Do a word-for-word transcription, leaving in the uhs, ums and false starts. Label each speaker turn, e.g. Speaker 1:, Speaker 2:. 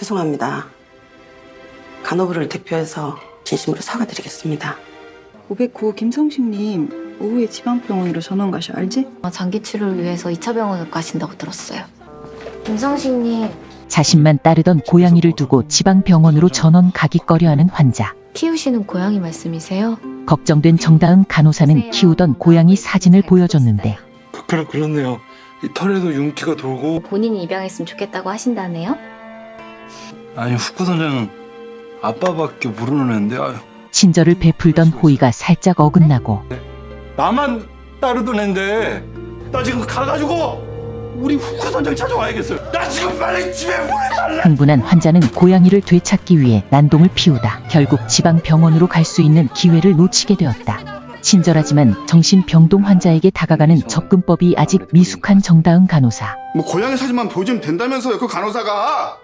Speaker 1: 죄송합니다. 간호부를 대표해서 진심으로 사과드리겠습니다.
Speaker 2: 오백구 김성식님 오후에 지방병원으로 전원 가셔 알지?
Speaker 3: 어, 장기 치료를 위해서 이 차 병원을 가신다고 들었어요. 김성식님,
Speaker 4: 자신만 따르던 고양이를 두고 지방병원으로 전원 가기 꺼려하는 환자.
Speaker 3: 키우시는 고양이 말씀이세요?
Speaker 4: 걱정된 정다은 간호사는 키우던 고양이 사진을 보여줬는데
Speaker 5: 그렇 그렇네요. 이 털에도 윤기가 돌고.
Speaker 3: 본인이 입양했으면 좋겠다고 하신다네요?
Speaker 5: 아니 후쿠 선장은 아빠밖에 모르는 애인데. 아유,
Speaker 4: 친절을 베풀던 호의가 살짝 어긋나고
Speaker 5: 나만 따르던 애인데 나 지금 가가지고 우리 후쿠 선장 찾아와야겠어요. 나 지금 빨리 집에 보내달라.
Speaker 4: 흥분한 환자는 고양이를 되찾기 위해 난동을 피우다 결국 지방병원으로 갈 수 있는 기회를 놓치게 되었다. 친절하지만 정신병동 환자에게 다가가는 접근법이 아직 미숙한 정다은 간호사.
Speaker 6: 뭐 고양이 사진만 보여주면 된다면서요, 그 간호사가.